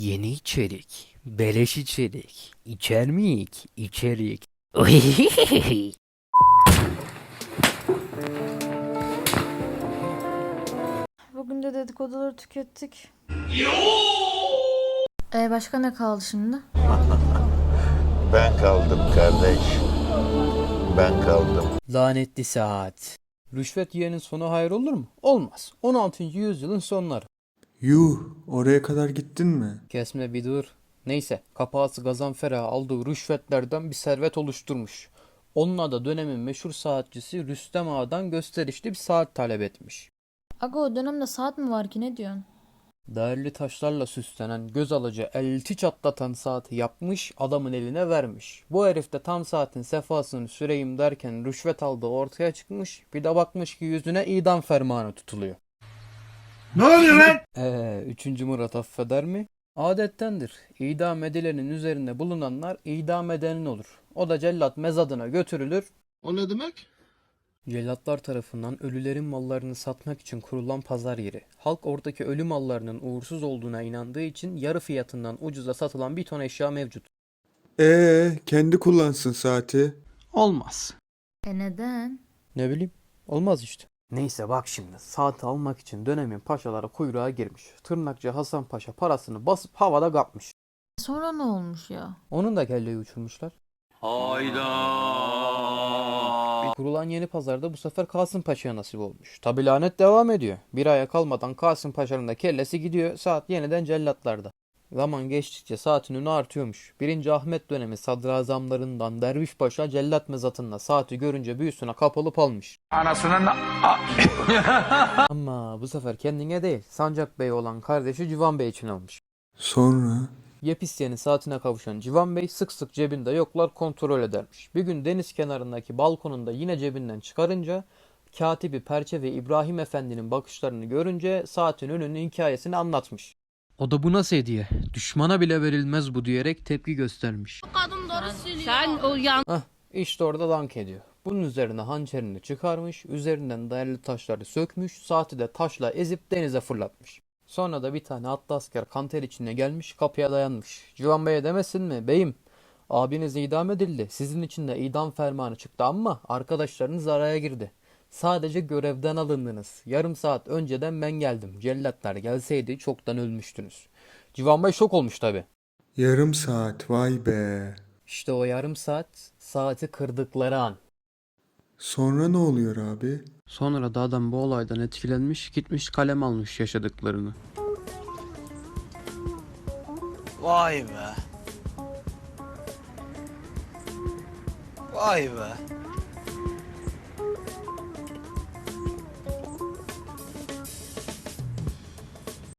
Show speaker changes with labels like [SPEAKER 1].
[SPEAKER 1] Yeni içerik, beleş içerik, içer miyik? İçerik.
[SPEAKER 2] Bugün de dedikoduları tükettik. Başka ne kaldı şimdi?
[SPEAKER 3] Ben kaldım kardeş. Ben kaldım.
[SPEAKER 1] Lanetli saat. Rüşvet yiyenin sonu hayır olur mu? Olmaz. 16. yüzyılın sonları.
[SPEAKER 4] Yuh, oraya kadar gittin mi?
[SPEAKER 1] Kesme bir dur. Neyse, kapağısı Gazanfer'e aldığı rüşvetlerden bir servet oluşturmuş. Onunla da dönemin meşhur saatçisi Rüstem Ağa'dan gösterişli bir saat talep etmiş.
[SPEAKER 2] Aga o dönemde saat mi var ki ne diyorsun?
[SPEAKER 1] Değerli taşlarla süslenen, göz alıcı, elti çatlatan saati yapmış, adamın eline vermiş. Bu herif de tam saatin sefasını süreyim derken rüşvet aldığı ortaya çıkmış, bir de bakmış ki yüzüne idam fermanı tutuluyor.
[SPEAKER 5] Ne oluyor lan?
[SPEAKER 1] 3. Murat affeder mi? Adettendir. İdam edilenin üzerinde bulunanlar idam edenin olur. O da cellat mezadına götürülür.
[SPEAKER 5] O ne demek?
[SPEAKER 1] Cellatlar tarafından ölülerin mallarını satmak için kurulan pazar yeri. Halk oradaki ölü mallarının uğursuz olduğuna inandığı için yarı fiyatından ucuza satılan bir ton eşya mevcut.
[SPEAKER 4] Kendi kullansın saati.
[SPEAKER 1] Olmaz.
[SPEAKER 2] Neden?
[SPEAKER 1] Ne bileyim. Olmaz işte. Neyse bak şimdi. Saati almak için dönemin paşaları kuyruğa girmiş. Tırnakçı Hasan Paşa parasını basıp havada kapmış.
[SPEAKER 2] Sonra ne olmuş ya?
[SPEAKER 1] Onun da kelleyi uçurmuşlar. Kurulan yeni pazarda bu sefer Kasım Paşa'ya nasip olmuş. Tabi lanet devam ediyor. Bir aya kalmadan Kasım Paşa'nın da kellesi gidiyor. Saat yeniden cellatlarda. Zaman geçtikçe saatin ünü artıyormuş. 1. Ahmet dönemi sadrazamlarından Derviş Paşa cellat mezatında saati görünce büyüsüne kapılıp almış.
[SPEAKER 5] Anasının...
[SPEAKER 1] Ama bu sefer kendine değil, Sancak Bey olan kardeşi Civan Bey için almış.
[SPEAKER 4] Sonra?
[SPEAKER 1] Yepyeni saatine kavuşan Civan Bey sık sık cebinde yoklar kontrol edermiş. Bir gün deniz kenarındaki balkonunda yine cebinden çıkarınca katibi Perçe ve İbrahim Efendi'nin bakışlarını görünce saatin önünün hikayesini anlatmış. O da bu nasıl hediye? Düşmana bile verilmez bu diyerek tepki göstermiş.
[SPEAKER 6] Sen o yan
[SPEAKER 1] İşte orada dank ediyor. Bunun üzerine hançerini çıkarmış, üzerinden değerli taşları sökmüş, saati de taşla ezip denize fırlatmış. Sonra da bir tane atlı asker kanter içine gelmiş, kapıya dayanmış. Civan Bey'e demesin mi? Beyim, abiniz idam edildi. Sizin için de idam fermanı çıktı ama arkadaşlarınız araya girdi. Sadece görevden alındınız. Yarım saat önceden ben geldim. Cellatlar gelseydi çoktan ölmüştünüz. Civan Bey şok olmuş tabi.
[SPEAKER 4] Yarım saat, vay be.
[SPEAKER 1] İşte o yarım saat, saati kırdıkları an.
[SPEAKER 4] Sonra ne oluyor abi?
[SPEAKER 1] Sonra da adam bu olaydan etkilenmiş, gitmiş kalem almış yaşadıklarını.
[SPEAKER 7] Vay be. Vay be.